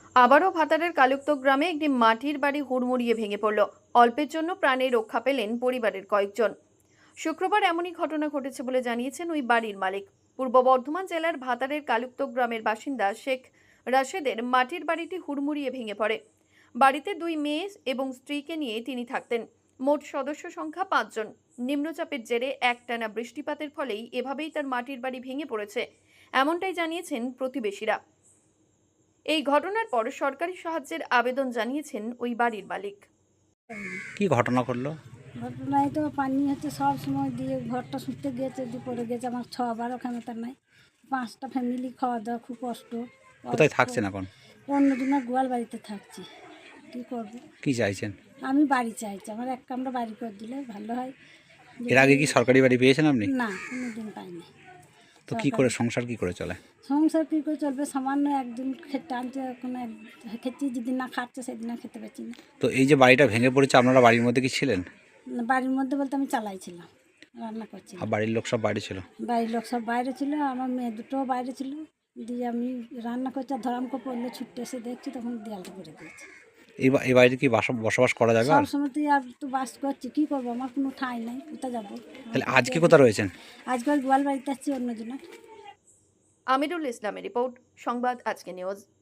আবারও ভাতারের কালুক্ত গ্রামে একটি মাটির বাড়ি হুড়মুড়িয়ে ভেঙে পড়ল। অল্পের জন্য প্রাণে রক্ষা পেলেন পরিবারের কয়েকজন। শুক্রবার এমনই ঘটনা ঘটেছে বলে জানিয়েছেন ওই বাড়ির মালিক। পূর্ব বর্ধমান জেলার ভাতারের কালুক্ত গ্রামের বাসিন্দা শেখ রাশেদের মাটির বাড়িটি হুড়মুড়িয়ে ভেঙে পড়ে। বাড়িতে দুই মেয়ে এবং স্ত্রীকে নিয়ে তিনি থাকতেন। মোট সদস্য সংখ্যা 5 জন। নিম্নচাপের জেরে একটানা বৃষ্টিপাতের ফলেই এভাবেই তার মাটির বাড়ি ভেঙে পড়েছে, এমনটাই জানিয়েছেন প্রতিবেশীরা। এই ঘটনার পর সরকারি সাহায্যের আবেদন জানিয়েছেন ওই বাড়ির মালিক। কি ঘটনা ঘটলো? ঘটনায় তো পানি হচ্ছে সব সময় দিয়ে ঘরটা শুতে গিয়েছে, দিয়ে পড়ে গেছে। আমার 6-12 ক্ষমতা নাই, 5টা ফ্যামিলি, খাওয়া দাওয়া খুব কষ্ট। কোথায় থাকছেন এখন? অন্যজনের গোয়াল বাড়িতে থাকছি। কী করবো? কি চাইছেন? আমি বাড়ি চাইছি, আমার এক কামরা বাড়ি করে দিলে ভালো হয়। এর আগে কি সরকারি বাড়ি পেয়েছেন আপনি? না, কোনোদিন পাইনি। তো কি করে সংসার কি করে চলে? সংসার কী করে চলবে? সামান্য একদিন খেতে আনছে, কোনো খেতে যেদিন না খাচ্ছে সেদিন না খেতে পাচ্ছি না। তো এই যে বাড়িটা ভেঙে পড়েছে, আপনারা বাড়ির মধ্যে কি ছিলেন? বাড়ির মধ্যে বলতে আমি চালাইছিলাম, রান্না করছিলাম। আর বাড়ির লোক সব বাড়ি ছিল? বাড়ির লোক সব বাইরে ছিল, আমার মেয়ে দুটোও বাইরে ছিল। দিয়ে আমি রান্না করছি, আর ধরামকে পড়লে ছুটে এসে দেখছি, তখন দেয়ালটা করে দিয়েছি। এই বাড়িতে কি বসবাস করা যাবে? আর সব সময় তুই আর তো বাস করছি, কী করবো? আমার কোনো ঠাঁই নাই, কোথায় যাবো? তাহলে আজকে কোথায় রয়েছেন? আজকাল গোয়াল বাড়িতে আসছি অন্যজনের। আমিরুল ইসলামের রিপোর্ট, সংবাদ আজকে নিউজ।